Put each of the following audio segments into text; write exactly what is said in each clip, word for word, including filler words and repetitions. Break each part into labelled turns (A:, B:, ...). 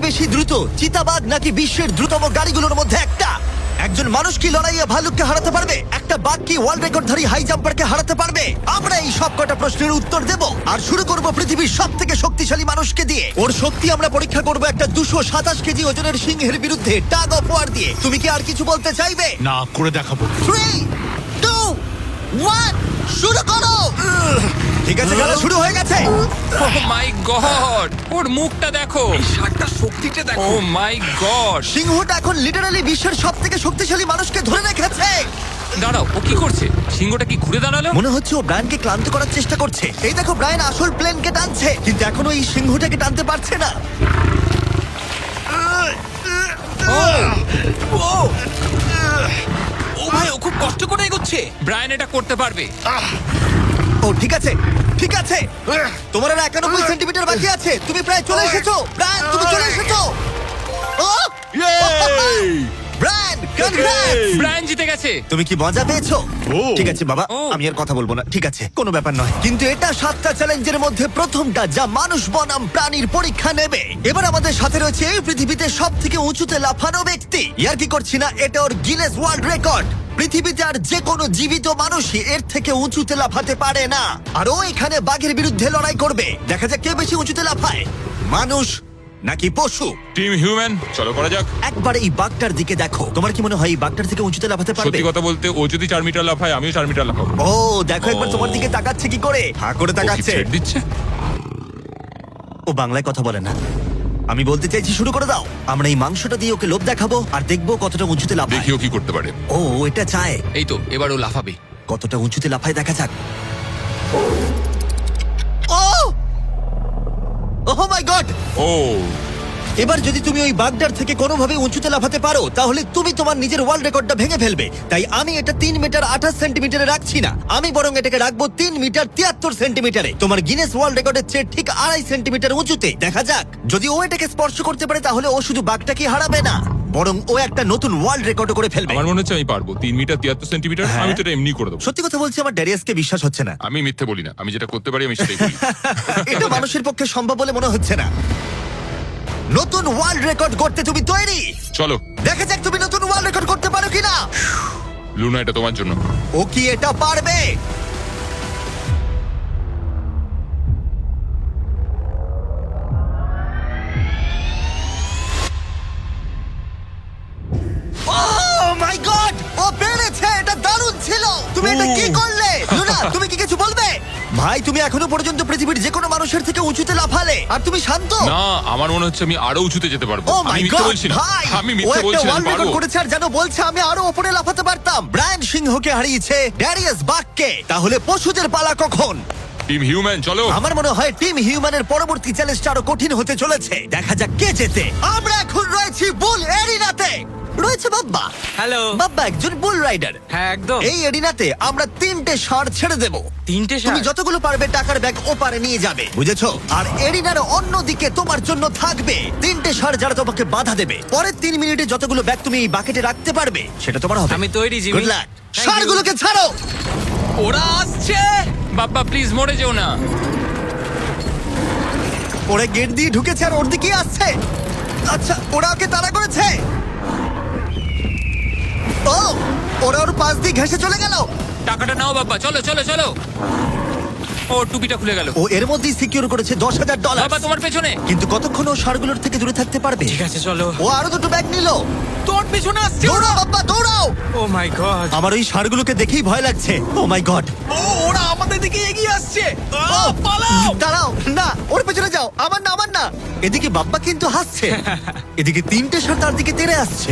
A: বেশি দ্রুত, চিতাবাঘ নাকি বিশ্বের দ্রুততম গাড়িগুলোর মধ্যে একটা? একজন মানুষ কি লড়াইয়ে ভালুককে হারাতে পারবে? একটা বাঘ কি ওয়ার্ল্ড রেকর্ডধারী হাই জাম্পারকে হারাতে পারবে? আমরা এই সব কটা প্রশ্নের উত্তর দেব আর শুরু করব পৃথিবীর সব থেকে শক্তিশালী মানুষকে দিয়ে। ওর শক্তি আমরা পরীক্ষা করব একটা দুশো সাতাশ কেজি ওজনের সিংহের বিরুদ্ধে টাগ অফ ওয়ার দিয়ে। তুমি কি আর কিছু বলতে চাইবে?
B: না, করে দেখাবো।
A: থ্রি টু ওয়ান শুরু করো। ঠিক আছে, খেলা শুরু হয়ে গেছে।
C: ও মাই গড, ওর মুখটা দেখো,
D: ষাটটা শক্তিটা
C: ও
D: দেখো।
C: মাই গড।
A: সিংহটা এখন লিটারালি বিশ্বের সব থেকে শক্তিশালী মানুষকে ধরে রেখেছে।
C: দাঁড়াও, ও কি করছে? সিংহটা কি ঘুরে দাঁড়ালো?
A: মনে হচ্ছে ও ব্রায়ানকে ক্লান্ত করার চেষ্টা করছে। এই দেখো, ব্রায়ান আসল প্লেনকে টানছে, কিন্তু এখনো এই সিংহটাকে টানতে পারছে না।
D: ও ও ভাই, ও খুব কষ্ট করে এগোচ্ছে।
C: ব্রায়ান এটা করতে পারবে।
A: ও ঠিক আছে, ঠিক আছে। তোমার আর একানব্বই সেন্টিমিটার বাকি আছে। তুমি প্রায় চলে এসেছো ব্রায়ান, তুমি চলে এসেছো। ও ব্রায়ান, কনগ্রেটস!
C: ব্রায়ান জিতে গেছে।
A: তুমি কি মজা পেয়েছো?
B: ও।
A: ঠিক আছে বাবা,
C: ও।
A: আমি আর কথা বলবো না। ঠিক আছে, কোনো ব্যাপার নয়। কিন্তু এটা সাতটা চ্যালেঞ্জের মধ্যে প্রথমটা যা মানুষ বনাম প্রাণীর পরীক্ষা নেবে। এবার আমাদের সাথে রয়েছে এই পৃথিবীতে সব থেকে উঁচুতে লাফানো ব্যক্তি। ইয়ার কি করছি না, এটা ওর গিনেস ওয়ার্ল্ড রেকর্ড। পৃথিবীতে আর যে কোনো জীবিত মানুষই এর থেকে উঁচুতে লাফাতে পারে না। আর ও এখানে বাঘের বিরুদ্ধে লড়াই করবে। দেখা যাক কে বেশি উঁচুতে লাফায়, মানুষ নাকি পশু।
C: টিম হিউম্যান, চলো করা যাক।
A: একবার এই বাঘটার দিকে দেখো। তোমার কি মনে হয় এই বাঘটার থেকে উঁচুতে লাফাতে পারবে?
C: সত্যি কথা বলতে, ও যদি চার মিটার লাফায়, আমিও চার মিটার লাফাবো।
A: ও দেখো একবার তোমার দিকে তাকাচ্ছে কি করে, হা করে
C: ও কি
A: তাকাচ্ছে।
C: ছেড়ে দিচ্ছে?
A: ও বাংলায় কথা বলে না। আমি বলতে চাইছি শুরু করে দাও। আমরা এই মাংসটা দিয়ে ওকে লোভ দেখাবো আর দেখবো কতটা উঁচুতে লাফায়।
C: দেখিও কি করতে পারে।
A: ও এটা চায়।
D: এই তো, এবার ও লাফাবে।
A: কতটা উঁচুতে লাফায় দেখা যাক। ও ওহ মাই গড!
C: ও
A: এবার যদি তুমি ওই বাগদার থেকে কোনোভাবে উঁচুতে লাফাতে পারো, তাহলে তুমি তোমার নিজের ওয়ার্ল্ড রেকর্ডটা ভেঙে ফেলবে। তাই আমি এটা তিন মিটার আঠাশ সেন্টিমিটারে রাখছি না, আমি বরং এটাকে রাখবো তিন মিটার তিয়াত্তর সেন্টিমিটারে। তোমার গিনেস ওয়ার্ল্ড রেকর্ডের চেয়ে ঠিক আড়াই সেন্টিমিটার উঁচুতে। দেখা যাক, যদি ও এটাকে স্পর্শ করতে পারে তাহলে ও শুধু বাঘটাকে হারাবে না, বরং ও একটা নতুন ওয়ার্ল্ড রেকর্ড করে ফেলবে।
C: আমার মনে হচ্ছে আমি পারবো। তিন মিটার তিয়াত্তর সেন্টিমিটার,
A: হ্যাঁ।
C: আমি তো এটা এমনি করে দেবো।
A: সত্যি কথা বলছি, আমার ড্যারিয়াসকে বিশ্বাস হচ্ছে না।
C: আমি মিথ্যে বলি না, আমি যেটা করতে পারি আমি সেটাই বলি।
A: এটা মানুষের পক্ষে সম্ভব বলে মনে হচ্ছে না। নতুন ওয়ার্ল্ড রেকর্ড করতে তুমি তৈরি?
C: চলো
A: দেখা যাক তুমি নতুন ওয়ার্ল্ড রেকর্ড করতে পারো কিনা।
C: লুনা, এটা তোমার জন্য।
A: ও কি এটা পারবে? Oh my God! ও পেরেছে! এটা দারুণ ছিল! তুমি এটা কি করলে? লুনা, তুমি কি কিছু বলবে? ভাই, তুমি এখনো পর্যন্ত পৃথিবীর যে কোনো মানুষের থেকে উঁচুতে লাফালে, আর তুমি শান্ত।
C: না, আমার মনে হচ্ছে আমি আরো উঁচুতে যেতে পারবো।
A: ও
C: আমি
A: মাই
C: মিথ্যে
A: গড
C: বলছি না,
A: ভাই!
C: আমি
A: ও
C: মিথ্যে
A: একটা
C: বলছি না, আমি
A: ওয়ার্ল্ড রেকর্ড
C: পারবো।
A: করেছে আর যেন বলছে আমি আরো উপরে লাফাতে পারতাম। ব্রায়ান সিংহকে হারিয়েছে ড্যারিয়াস বাককে। তাহলে পশুদের পালা কখন?
C: টিম হিউম্যান, চলো।
A: আমার মনে হয় টিম হিউম্যানের পরবর্তী চ্যালেঞ্জটা আরো কঠিন হতে চলেছে। দেখা যাক কে জেতে। আমরা এখন রয়েছি বুল এরিনাতে। রয়েছে বাব্বা।
D: হ্যালো।
A: বাব্বা একজন বুল রাইডার।
D: হ্যাঁ, একদম।
A: এই এরিনাতে আমরা তিনটে ষাঁড় ছেড়ে দেব।
D: তিনটে
A: তুমি
D: ষাঁড়?
A: যতগুলো পারবে টাকার ব্যাগ ওপারে নিয়ে যাবে, বুঝেছো? আর এরিনার অন্যদিকে তোমার জন্য থাকবে তিনটে ষাঁড় যারা তোমাকে বাধা দেবে। পরের তিন মিনিটে যতগুলো ব্যাগ তুমি এই বাকেটে রাখতে পারবে সেটা তোমার হবে।
D: আমি তৈরি, Jimmy.
A: Good luck.
D: Thank you.
A: ষাঁড়গুলোকে ছাড়ো।
D: ওরা আসছে।
C: বাপ্পা প্লিজ মরে যেও না।
A: ওরা গেট দিয়ে ঢুকেছে আর ওর দিকেই আসছে। আচ্ছা, ওরা ওকে তাড়া করেছে। ও, ওরা ওর পাশ দিয়ে ঘেসে চলে গেল।
C: টাকাটা নাও বাপ্পা, চলো চলো চলো। ও টুপিটা খুলে গেল।
A: ও এর মধ্যেই সিকিউর করেছে দশ হাজার ডলার।
C: বাবা তোমার পেছনে।
A: কিন্তু কতক্ষণ ও ষাঁড়গুলোর থেকে দূরে থাকতে পারবে?
D: ঠিক আছে, চলো।
A: ও আরো দুটো ব্যাগ নিল।
D: তোর পেছনে আসছে।
A: দৌড়াও বাবা, দৌড়াও।
D: Oh my god.
A: আমার ওই ষাঁড়গুলোকে দেখেই ভয় লাগছে। ও মাই গড।
D: ও, ওরা আমাদের দিকে এগিয়ে আসছে। আহ, পালাও।
A: দাঁড়াও, না ওর পেছনে যাও। আমার না, আমার না। এদিকে বাব্বা কিন্তু হাসছে, এদিকে তিনটে ষাঁড় তার দিকে তেড়ে আসছে।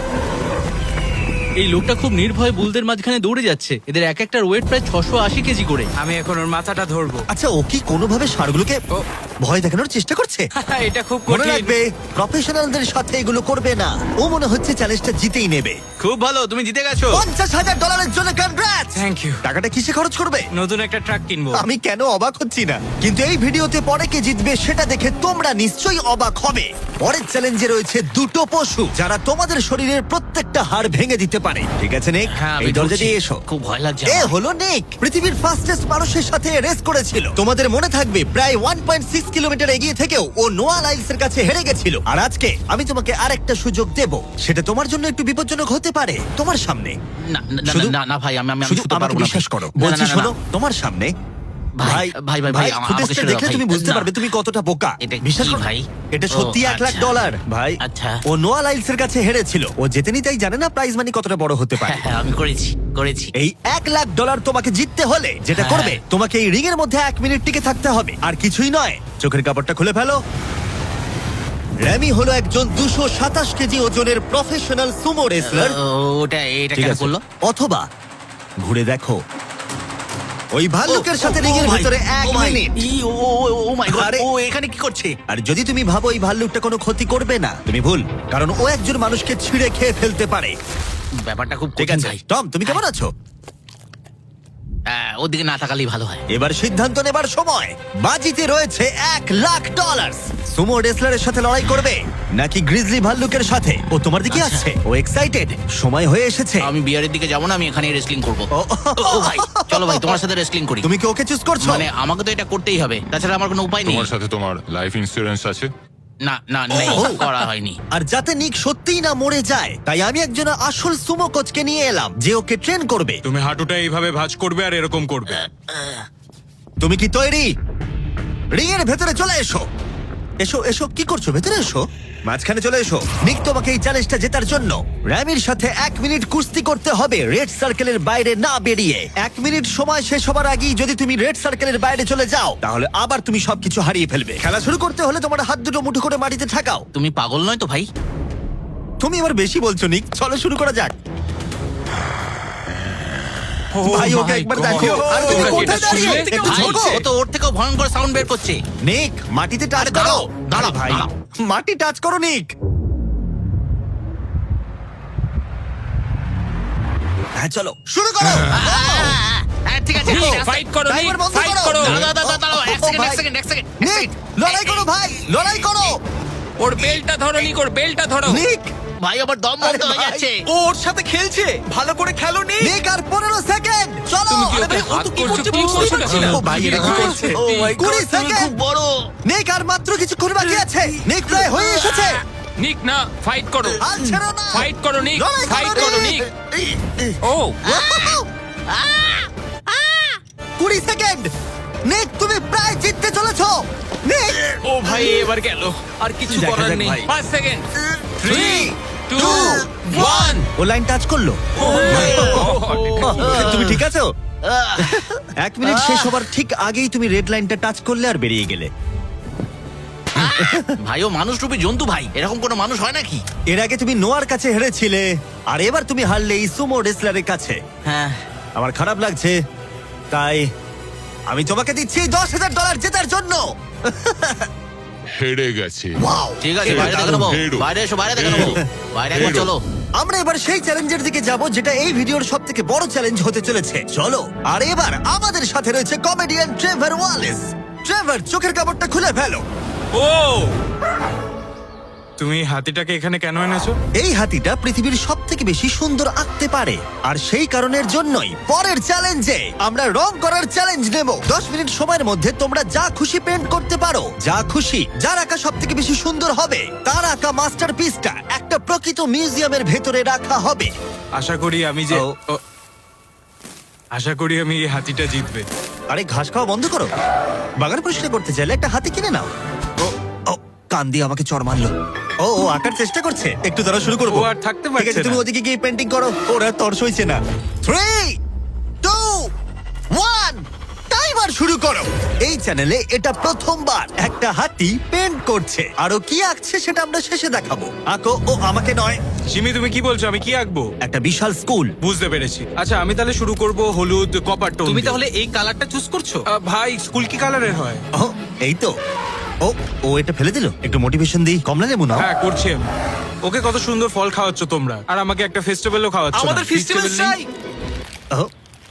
E: এই লোকটা খুব নির্ভয় বুলদের মাঝখানে দৌড়ে যাচ্ছে। এদের এক একটার ওয়েট প্রায় ছশো আশি কেজি করে।
D: আমি এখন ওর মাথাটা ধরবো।
A: আচ্ছা, ও কি কোনোভাবে ষাঁড়গুলোকে
D: ও।
A: ভয় দেখানোর চেষ্টা করছে?
D: এটা খুব
A: মনে
D: কঠিন।
A: রাখবে, প্রফেশনালদের সাথে এগুলো করবে না। ও মনে হচ্ছে চ্যালেঞ্জটা জিতেই নেবে।
E: খুব ভালো, তুমি জিতে গেছো।
A: পঞ্চাশ হাজার ডলারের জন্য কনগ্রাটস।
D: Thank you.
A: টাকাটা কিসে খরচ করবে?
D: নতুন একটা ট্রাক কিনবো।
A: আমি কেন অবাক হচ্ছি না, কিন্তু এই ভিডিওতে পরে কে জিতবে সেটা দেখে তোমরা নিশ্চয়ই অবাক হবে। পরের চ্যালেঞ্জে রয়েছে দুটো পশু যারা তোমাদের শরীরের প্রত্যেকটা হাড় ভেঙে দিতে পারে। ঠিক আছে নিক,
D: হ্যাঁ, আমি
A: এই দরজা
D: ঢুকছি।
A: দিয়ে এসো।
E: খুব ভয় লাগছে
A: এ
E: আমার।
A: হলো নিক, পৃথিবীর ফাস্টেস্ট মানুষের সাথে রেস করেছিল। তোমাদের মনে থাকবে প্রায় ওয়ান পয়েন্ট সিক্স কিলোমিটার এগিয়ে থেকেও ও নোয়া লাইলস এর কাছে হেরে গেছিল। আর আজকে আমি তোমাকে আরেকটা সুযোগ দেব, সেটা তোমার জন্য একটু বিপজ্জনক হতে পারে। তোমার সামনে
E: না না, না,
A: শুধু-
E: না না ভাই আমি আমি আমি
A: শুধু
E: শুতে
A: আমাকে
E: পারবো না
A: বিশ্বাস
E: ভাই।
A: করো,
E: না, না,
A: বলছি
E: না, না,
A: শোনো,
E: না।
A: তোমার সামনে
E: ভাই, ভাই, ভাই, ভাই, আমাকে
A: ফুটেজটা
E: ছেড়ে দাও,
A: দেখলে
E: ভাই।
A: তুমি বুঝতে
E: না।
A: পারবে তুমি কতটা বোকা।
E: এটা
A: বিশ্বাস
E: কি
A: করো
E: ভাই?
A: এটা
E: ও,
A: সত্যি এক লাখ
E: আচ্ছা।
A: ডলার ভাই।
E: আচ্ছা।
A: ও নোয়া লাইলস এর কাছে হেরেছিল। ও জেতেনি তাই জানে না প্রাইজ মানি কতটা বড় হতে পারে।
E: হ্যাঁ হ্যাঁ আমি করেছি করেছি
A: এই এক লাখ ডলার তোমাকে জিততে হলে যেটা
E: হ্যাঁ।
A: করবে, তোমাকে এই রিং এর মধ্যে এক মিনিট টিকে থাকতে হবে, আর কিছুই নয়। চোখের কাপড়টা খুলে ফেলো। র্যামি হলো একজন দুশো সাতাশ কেজি ওজনের প্রফেশনাল সুমো রেসলার।
E: ও, ওটা এটা
A: ঠিক
E: কেন
A: আছে।
E: করলো?
A: অথবা ঘুরে দেখো, ওই ভাল্লুকের সাথে রিং এর
E: ও, ও,
A: ভিতরে
E: ও,
A: এক
E: ও, ভাই,
A: minute.
E: E, O O, O, O my god,
A: আরে-
E: ও এখানে কি করছে?
A: আর যদি তুমি ভাবো এই ভাল্লুকটা কোনো ক্ষতি করবে না, তুমি ভুল, কারণ ও একজন মানুষকে ছিঁড়ে খেয়ে ফেলতে পারে।
E: ব্যাপারটা খুব
A: ঠিক
E: কঠিন
A: আছে
E: ভাই।
A: টম, তুমি কেমন আছো?
E: হ্যাঁ, ওদিকে না তাকালেই ভালো হয়।
A: এবার সিদ্ধান্ত নেবার সময়। বাজিতে রয়েছে এক লাখ ডলার। সুমো রেসলারের সাথে লড়াই করবে নাকি গ্রিজলি ভাল্লুকের সাথে? ও তোমার দিকে
E: আচ্ছা।
A: আসছে, ও এক্সাইটেড, সময় হয়ে এসেছে।
E: আমি বিয়ারের দিকে যাবো না, আমি এখানে রেসলিং করবো।
A: ও,
E: ও ভাই চলো ভাই তোমার সাথে রেসলিং করি।
A: তুমি কি ওকে চুজ করছো?
E: মানে আমাকে তো এটা করতেই হবে, তাছাড়া আমার কোনো উপায় নেই।
B: তোমার সাথে তোমার লাইফ ইন্স্যুরেন্স আছে?
E: না না নেই,
A: ও।
E: করা হয়নি।
A: আর যাতে নিক সত্যিই না মরে যায়, তাই আমি একজন আসল সুমো কোচকে নিয়ে এলাম যে ওকে ট্রেন করবে।
F: তুমি হাঁটুটা এইভাবে ভাঁজ করবে আর এরকম করবে।
A: তুমি কি তৈরি? রিং এর ভেতরে চলে এসো। এসো এসো, কি করছো? ভেতরে এসো, মাঝখানে চলে এসো। নিক তোমাকে এই চ্যালেঞ্জটা জেতার জন্য র্যামির সাথে এক মিনিট কুস্তি করতে হবে রেড সার্কেলের বাইরে না বেরিয়ে। এক মিনিট সময় শেষ হবার আগেই যদি তুমি রেড সার্কেলের বাইরে চলে যাও, তাহলে আবার তুমি সবকিছু হারিয়ে ফেলবে। খেলা শুরু করতে হলে তোমার হাত দুটো মুঠো করে মাটিতে ঠাকাও।
E: তুমি পাগল নয় তো ভাই?
A: তুমি এবার বেশি বলছো নিক, চলো শুরু করা যাক। ভাই ওকে
C: my
A: একবার
C: God!
A: দেখো। আর তুমি
C: তোমরা কি
A: কোথায়
C: এটা
A: দাঁড়িয়ে?
C: শুনলে?
A: একটু
E: ভাই,
A: ঝোঁকো।
E: ও তো ওর থেকেও ভয়ঙ্কর সাউন্ড বের করছে।
A: নিক মাটিতে টাচ
E: আরে
A: করো।
E: দাঁড়াও, দাঁড়াও,
A: আরে ভাই,
E: দাঁড়াও।
A: মাটি টাচ করো নিক। হ্যাঁ চলো শুরু করো।
E: হ্যাঁ, ঠিক আছে,
C: নিক,
E: ঠিক আছে।
C: ফাইট করো, নিক,
A: ড্রাইভার বন্ধ
C: ফাইট
A: করো।
C: করো।
E: দাঁড়াও, দাঁড়াও, দাঁড়াও, এক
A: ও,
E: সেকেন্ড, এক
A: ভাই।
E: সেকেন্ড, এক সেকেন্ড, এক
A: নিক
E: সেকেন্ড।
A: লড়াই করো ভাই, লড়াই করো।
C: ওর বেলটা ধরো, নিক, ওর বেলটা ধরো।
A: নিক
E: ভাই আবার দম বন্ধ
A: আরে
E: হয়ে
A: ভাই।
E: যাচ্ছে।
D: ও ওর সাথে খেলছে, ভালো করে খেলো নি।
A: নিক আর পনেরো সেকেন্ড চলো।
C: তুমি কি
A: আরে
C: ওকে
A: ভাই, ও
C: হাত
A: তো কি
C: করছো?
A: করছে
C: কি
A: বুঝতেই
C: করছো
A: পারছি না।
C: এটা?
A: ও ভাই, এটা কি করছে?
C: ও my
A: কুড়ি
E: তুমি
A: সেকেন্ড।
E: খুব বড়।
A: নিক আর মাত্র কিছুক্ষণ বাকি আছে। নিক প্রায় হয়ে এসেছে।
C: নিক না, ফাইট করো।
A: আর ছেড়ো না।
C: ফাইট করো, নিক,
A: লড়াই
C: ফাইট করো, নিক। ও
A: কুড়ি সেকেন্ড। নিক তুমি প্রায় জিততে চলেছো। নিক
D: ও ভাই এবার গেল, আর কিছু
A: দেখা
D: করার
A: যাক
D: নেই।
A: ভাই।
C: পাঁচ second. Three
A: Three,
C: two
A: two,
C: one
A: ও লাইন টাচ করলো। তুমি ঠিক আছো? এক মিনিট শেষ হবার ঠিক আগেই তুমি রেড লাইনটা টাচ করলে আর বেরিয়ে গেলে।
E: ভাই ও মানুষ রূপী জন্তু ভাই, এরকম কোনো মানুষ হয় নাকি?
A: এর আগে তুমি নোয়ার কাছে হেরেছিলে, আর এবার তুমি হারলে এই সুমো রেসলারের কাছে।
E: হ্যাঁ,
A: আমার খারাপ লাগছে, তাই আমি তোমাকে দিচ্ছি দশ হাজার ডলার জেতার জন্য।
B: হেরে গেছে।
A: ওয়াও,
E: ঠিক আছে,
A: এটা
E: বাইরে দেখে
A: দারুণ।
E: নেবো।
B: হেরো।
E: বাইরে এসো, বাইরে দেখে নেবো।
B: হেরো।
E: বাইরে একবার
B: হেরো।
E: চলো।
A: আমরা এবার সেই চ্যালেঞ্জের দিকে যাব যেটা এই ভিডিওর সব থেকে বড় চ্যালেঞ্জ হতে চলেছে। চলো। আর এবার আমাদের সাথে রয়েছে কমেডিয়ান ট্রেভার ওয়ালেস। ট্রেভার, চোখের কাপড়টা খুলে ফেলো।
F: ও তুমি হাতিটাকে এখানে কেন এনেছো?
A: এই হাতিটা পৃথিবীর সব থেকে বেশি সুন্দর আঁকতে পারে, আর সেই কারণের জন্যই পরের চ্যালেঞ্জে আমরা রং করার চ্যালেঞ্জ নেব। দশ মিনিট সময়ের মধ্যে তোমরা যা খুশি পেন্ট করতে পারো, যা খুশি। যার আঁকা সব থেকে বেশি সুন্দর হবে, তার আঁকা মাস্টারপিসটা একটা প্রকৃত মিউজিয়ামের ভেতরে রাখা হবে।
F: আশা করি আমি যে
A: ও।
F: ও, আশা করি আমি এই হাতিটা জিতবে।
A: আরে ঘাস খাওয়া বন্ধ করো। বাগান পরিষ্কার করতে চাইলে একটা হাতি কিনে নাও। ও ও, কান দিয়ে আমাকে চড় মারলো। ও ও আঁকার চেষ্টা করছে। একটু দ্বারা শুরু করবো।
F: ও আর থাকতে
A: ঠিক
F: পারছে
A: আছে, তুমি
F: না।
A: ওদিকে গিয়ে পেন্টিং করো। ওরা তর সইছে না। থ্রি টু ওয়ান টাইমার শুরু করো। এই চ্যানেলে এটা প্রথমবার একটা হাতি পেন্ট করছে। আরো কি আঁকছে সেটা আমরা শেষে দেখাবো। আঁকো। ও আমাকে নয়,
F: সিমি তুমি কি বলছো, আমি কি আঁকবো?
A: একটা বিশাল স্কুল।
F: বুঝতে পেরেছি। আচ্ছা আমি তাহলে শুরু করব হলুদ কপার টোন
D: তুমি
F: দিয়ে।
D: তাহলে এই কালারটা চুজ করছো?
F: আহ, ভাই স্কুল কি কালারের হয়?
A: ও এই তো। ও ও এটা ফেলে দিল। একটু মোটিভেশন দিই। কমলা লেবু নাও।
F: হ্যাঁ করছি আমি। ওকে কত সুন্দর ফল খাওয়াচ্ছ তোমরা, আর আমাকে একটা ফেস্টিভ্যালও খাওয়াচ্ছ না।
D: আমাদের ফেস্টিভ্যাল
F: Festival নেই?
D: চাই।
A: ও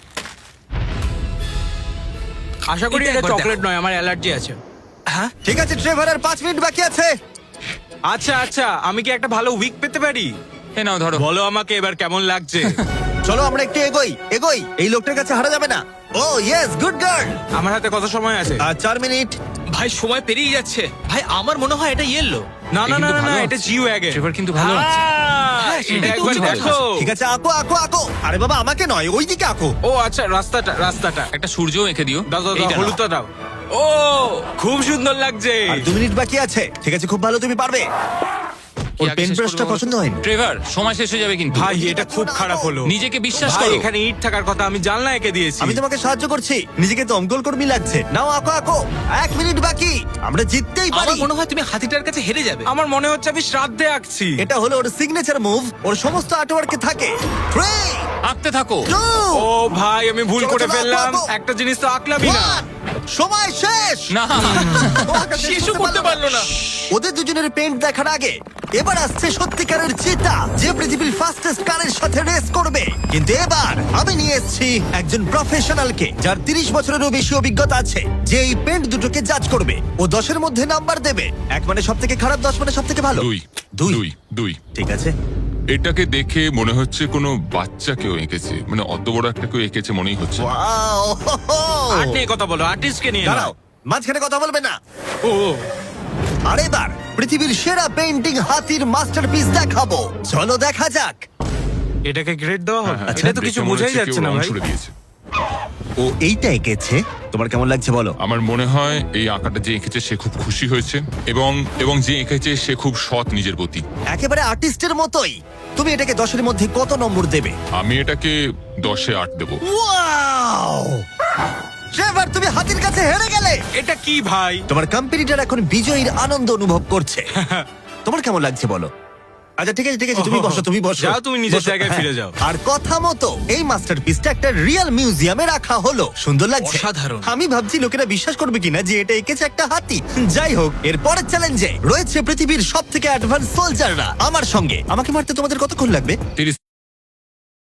F: আশা করি
D: এটা
F: এটা
D: একবার
F: চকলেট
D: দেখো।
F: নয়, আমার অ্যালার্জি আছে।
D: হ্যাঁ,
A: ঠিক আছে ট্রেভার, আর পাঁচ মিনিট বাকি আছে।
F: আচ্ছা আচ্ছা, আমি কি একটা ভালো উইক পেতে পারি?
C: এ নাও ধরো।
F: বলো আমাকে এবার কেমন লাগছে।
A: চলো আমরা একটু এগোই এগোই। এই লোকটার কাছে হারা যাবে না। Oh yes, good girl.
F: আমার হাতে কত সময় আছে?
A: আর চার মিনিট।
D: ভাই সময় পেরিয়ে যাচ্ছে।
E: ভাই আমার মনে হয় এটা ইয়েলো।
F: না
C: এ
F: না না
C: কিন্তু
F: না, না
C: ভালো
F: এটা
C: আছে।
F: জিও ওয়াগন।
C: ট্রেভার কিন্তু ভালো আছে।
F: হ্যাঁ,
E: সেটাই
F: এটা
E: তো
F: একবার
E: উচিত
F: দেখো।
A: ঠিক আছে, আঁকো আঁকো আঁকো। আরে বাবা, আমাকে নয়, ওইদিকে আঁকো।
F: ও আচ্ছা, রাস্তাটা রাস্তাটা
C: একটা সূর্য এঁকে দিও।
F: দাও দাও দাও,
C: এইটা নাও।
F: হলুদটা দাও। ও খুব সুন্দর লাগছে।
A: আর দু মিনিট বাকি আছে। ঠিক আছে, খুব ভালো, তুমি পারবে।
C: কি
A: ওর
C: আগে
A: পেন
C: শেষ
A: ব্রাশটা
C: করবো বলো তো?
A: পছন্দ হয়নি।
C: ট্রেভার, সময় শেষ হয়ে যাবে কিন্তু।
F: ভাই এটা খুব খারাপ হলো।
C: নিজেকে বিশ্বাস
F: ভাই
C: করো।
F: এখানে ইট থাকার কথা, আমি জানলা এঁকে দিয়েছি।
A: আমি তোমাকে সাহায্য করছি, নিজেকে দমকল কর্মী লাগছে। নাও আঁকো আঁকো, এক মিনিট বাকি, আমরা জিততেই পারি।
E: আমার মনে হয় তুমি হাতিটার কাছে হেরে যাবে।
F: আমার মনে হচ্ছে আমি শ্রাদ্ধে আঁকছি।
A: এটা হলো ওর সিগনেচার মুভ, ওর সমস্ত আর্টওয়ার্কে থাকে। থ্রি,
C: আঁকতে থাকো।
A: টু,
F: ও ভাই আমি ভুল
A: চলো,
F: করে
A: চলো,
F: ফেললাম।
A: আঁকো, আঁকো।
F: একটা জিনিস তো আঁকলামই না।
A: ওয়ান। সময় শেষ।
C: না,
A: ও আঁকা শেষ
D: শিশু করতে পারলো না।
A: ওদের দুজনের পেন্ট দেখার আগে এবার আসছে সত্যিকারের চিতা, যে পৃথিবীর ফাস্টেস্ট কারের সাথে রেস করবে। কিন্তু এবার আমি নিয়ে এসেছি একজন প্রফেশনালকে, যার তিরিশ বছরেরও বেশি অভিজ্ঞতা আছে, যে এই পেন্ট দুটোকে জাজ করবে। ও দশের মধ্যে নাম্বার দেবে। এক মানে সব থেকে খারাপ, দশ মানে সব থেকে ভালো।
B: দুই
A: দুই
B: দুই দুই
A: ঠিক আছে।
B: এটাকে দেখে মনে হচ্ছে কোনো বাচ্চা কেউ এঁকেছে, মানে অত বড় একটা কেউ এঁকেছে মনেই হচ্ছে না।
A: ওয়াও, হো, হো।
F: আর্ট নিয়ে কথা বলো, আর্টিস্টকে নিয়ে
A: দাঁড়াও,
F: নাও।
A: মাঝখানে কথা বলবে না।
F: ও
A: আর এবার পৃথিবীর সেরা পেন্টিং হাতির মাস্টারপিস দেখাবো। চলো দেখা যাক।
F: এটাকে গ্রেড দেওয়া হবে?
B: হ্যাঁ,
F: এটা তো
B: দেখে
F: কিছু
B: মনে
F: বোঝাই
B: হচ্ছে
F: যাচ্ছে
B: কেউ
F: না
B: রং
F: ভাই।
B: ছুড়ে দিয়েছে।
A: ও এইটা এঁকেছে, তোমার কেমন লাগছে বলো?
B: আমার মনে হয় এই আঁকাটা যে এঁকেছে সে খুব খুশি হয়েছে, এবং এবং যে এঁকেছে সে খুব সৎ নিজের প্রতি।
A: একেবারে আর্টিস্টের মতোই। তুমি এটাকে দশের মধ্যে কত নম্বর দেবে?
B: আমি এটাকে দশে আট দেবো।
A: ওয়াও! ট্রেভার, তুমি হাতির কাছে হেরে গেলে।
F: এটা কি ভাই?
A: তোমার কম্পিটিটর এখন বিজয়ীর আনন্দ অনুভব করছে। তোমার কেমন লাগছে বলো? আচ্ছা ঠিক আছে ঠিক আছে, তুমি বসো তুমি বসো।
F: যাও, তুমি নিজের
A: বসো,
F: জায়গায়
A: হ্যাঁ।
F: ফিরে যাও।
A: আর কথা মতো এই মাস্টারপিসটা একটা রিয়েল মিউজিয়ামে রাখা হলো। সুন্দর লাগছে।
E: অসাধারণ।
A: আমি ভাবছি লোকেরা বিশ্বাস করবে কিনা যে এটা এঁকেছে একটা হাতি। যাই হোক, এর পরের চ্যালেঞ্জে রয়েছে পৃথিবীর সব থেকে অ্যাডভান্স সোলজাররা আমার সঙ্গে। আমাকে মারতে তোমাদের কতক্ষণ লাগবে?
B: তিরিশ